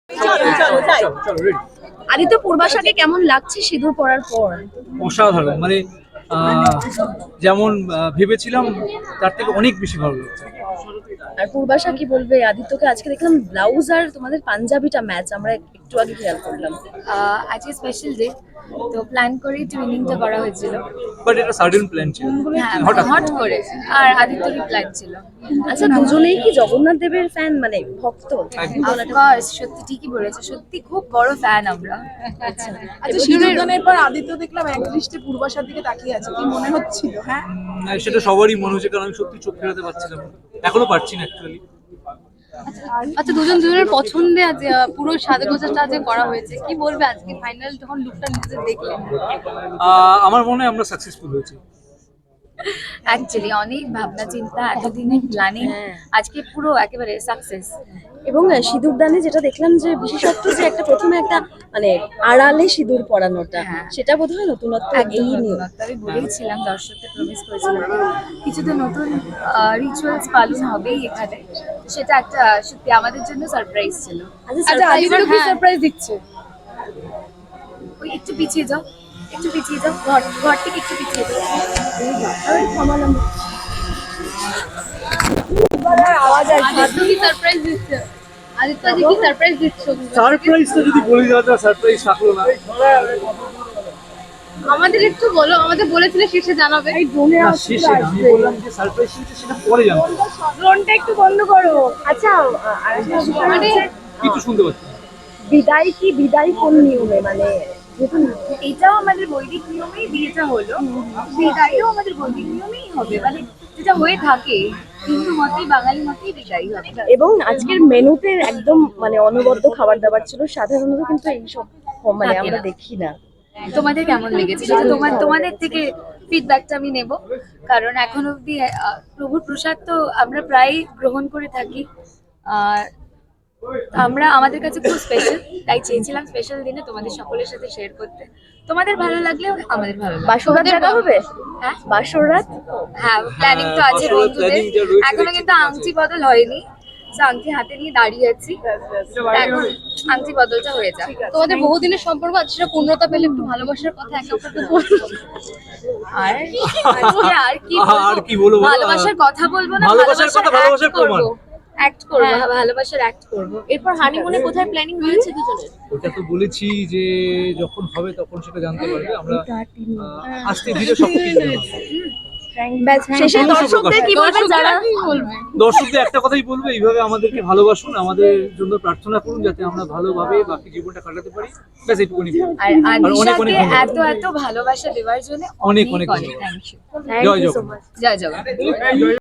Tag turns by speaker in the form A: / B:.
A: আদিত্য পূর্বাশাকে কেমন লাগছে সিঁদুর পরার পর?
B: অসাধারণ, মানে যেমন ভেবেছিলাম তার থেকে অনেক বেশি ভালো লাগছে।
A: আর পূর্বাশা কি বলবে? আদিত্যকে আজকে দেখলাম ব্লাউজ আর তোমাদের পাঞ্জাবিটা ম্যাচ, আমরা একটু আগে খেয়াল করলাম।
C: আজকে স্পেশাল ডে, তো প্ল্যান করে টুইনিংটা করা হয়েছিল।
B: বাট এটা সাডেন প্ল্যান ছিল,
C: হ্যাঁ,
B: হঠাৎ
C: হট করে। আর আদিত্যরই প্ল্যান ছিল।
A: আচ্ছা, দুজনেই কি জগন্নাথ দেবের ফ্যান, মানে ভক্ত?
C: অফকোর্স, সত্যি ঠিকই বলেছে, সত্যি খুব বড় ফ্যান আমরা।
A: আচ্ছা,
D: সিঁদুরদানের পর আদিত্য দেখলাম এক দৃষ্টে পূর্বাশার দিকে তাকিয়ে আছে, কি মনে হচ্ছিল? হ্যাঁ,
B: সেটা সবারই মনে হচ্ছে, কারণ আমি সত্যি চোখ ফেরাতে পারছিলাম না, এখনো পারছি না অ্যাকচুয়ালি।
E: আচ্ছা, দুজনের পছন্দে আজ পুরো সাজগোজাটা আজ করা হয়েছে, কি বলবে আজকে ফাইনাল যখন লুকটা নিজে দেখলেন?
B: আমার মনে হয় আমরা সাকসেসফুল হয়েছি।
C: অ্যাকচুয়ালি অনেক ভাবনা চিন্তা, এতদিনের প্ল্যানিং, আজকে পুরো একেবারে সাকসেস।
A: এবং সিঁদুরদানে যেটা দেখলাম যে বিশেষত্ব, যে একটা প্রথমে একটা মানে আড়ালে সিঁদুর পরানোটা,
C: হ্যাঁ।
A: সেটা বোধহয় নতুনত্ব। এই নিয়ে
C: আমি বলেছিলাম, দর্শকদের প্রমিস করেছিলাম কিছু তো নতুন রিচুয়ালস পালন হবেই এখানে। সেটা একটা সত্যি আমাদের জন্য সারপ্রাইজ ছিল।
A: আচ্ছা,
D: আদিত্য কি সারপ্রাইজ দিচ্ছে?
C: ওই একটু পিছিয়ে যাও, একটু পিছিয়ে যাও, ঘর থেকে একটু পিছিয়ে যাও।
D: আওয়াজ
E: আদিত্য কি সারপ্রাইজ দিচ্ছে? আদিত্য আজকে কি সারপ্রাইজ দিচ্ছে?
B: সারপ্রাইজটা যদি বলে দেওয়া যায়, সারপ্রাইজ থাকলো না।
E: আমাদের একটু বলো, আমাদের বলেছিলে শেষে জানাবে।
B: না, শেষে না, আমি বললাম যে সারপ্রাইজ সেটা পরে জানতে।
D: ড্রোনটা একটু বন্ধ করো।
A: আচ্ছা, আরেকটা বিষয়
E: মানে
A: হচ্ছে,
B: কিছু শুনতে পাচ্ছি না।
A: বিদায় কোন নিয়মে, মানে যেহেতু
C: এটাও আমাদের বৈদিক নিয়মেই বিয়েটা হলো, বিদায়ও আমাদের বৈদিক নিয়মেই হবে, মানে যেটা হয়ে থাকে হিন্দু মতেই, বাঙালি মতেই বিদায় হবে।
A: এবং আজকের মেনুতে একদম মানে অনবদ্য খাবার দাবার ছিল, সাধারণত কিন্তু এইসব মানে
C: থাকে
A: আমরা
C: না।
A: দেখি না।
C: তোমাদের কেমন লেগেছে সেটা তোমাদের থেকে ফিডব্যাকটা আমি নেব, কারণ এখন অবধি প্রভুর প্রসাদ তো আমরা প্রায় গ্রহণ করে থাকি। আর আমরা আমাদের কাছে খুব স্পেশাল, তাই চেয়েছিলাম স্পেশাল দিনে তোমাদের সকলের সাথে শেয়ার করতে। তোমাদের ভালো লাগলেও আমাদের ভালো লাগবে।
A: বাসরাত জায়গা হবে?
C: হ্যাঁ,
A: বাসরাত
C: হ্যাঁ, প্ল্যানিং তো আছে
B: বাসরাত
C: বন্ধুদের,
B: planning যা রয়েছে
C: এখনো
B: দেখছি
C: কিন্তু
B: ঠিক আছে।
C: আংটি বদল হয়নি। তো আংটি হাতে নিয়ে দাঁড়িয়ে আছি, এখন আংটি বদলটা হয়ে যাক।
E: তোমাদের বহুদিনের সম্পর্ক আজ সেটা পূর্ণতা পেলে, একটু ভালোবাসার কথা একে অপরকে বলবো।
C: আর আজকে আর কি
B: বলবো?
C: ভালোবাসার কথা বলবো না,
B: ভালোবাসার কথা, ভালোবাসার প্রমাণ।
C: অ্যাক্ট করবো, ভালোবাসার অ্যাক্ট করবো।
A: এরপর হানিমুনে কোথায় প্ল্যানিং হয়েছে দুজনের?
B: ওটা তো বলেছি যে যখন হবে তখন সেটা জানতে পারবে। আমরা আস্তে ধীরে সবকিছু জানাবো।
A: শেষে দর্শকদের কি বলবেন? যারা
B: দর্শকদের একটা কথাই বলবো, এইভাবে আমাদেরকে ভালোবাসুন, আমাদের জন্য প্রার্থনা করুন যাতে আমরা ভালোভাবে বাকি জীবনটা কাটাতে পারি। ব্যাস এইটুকুনি।
C: আর
B: অনেক অনেক
C: আদিশাকে এত ভালোবাসা দেওয়ার জন্য
B: অনেক
C: অনেক
B: অনেক
C: অনেক থ্যাংক ইউ।
B: জয় জগন্নাথ।
C: জয় জগন্নাথ।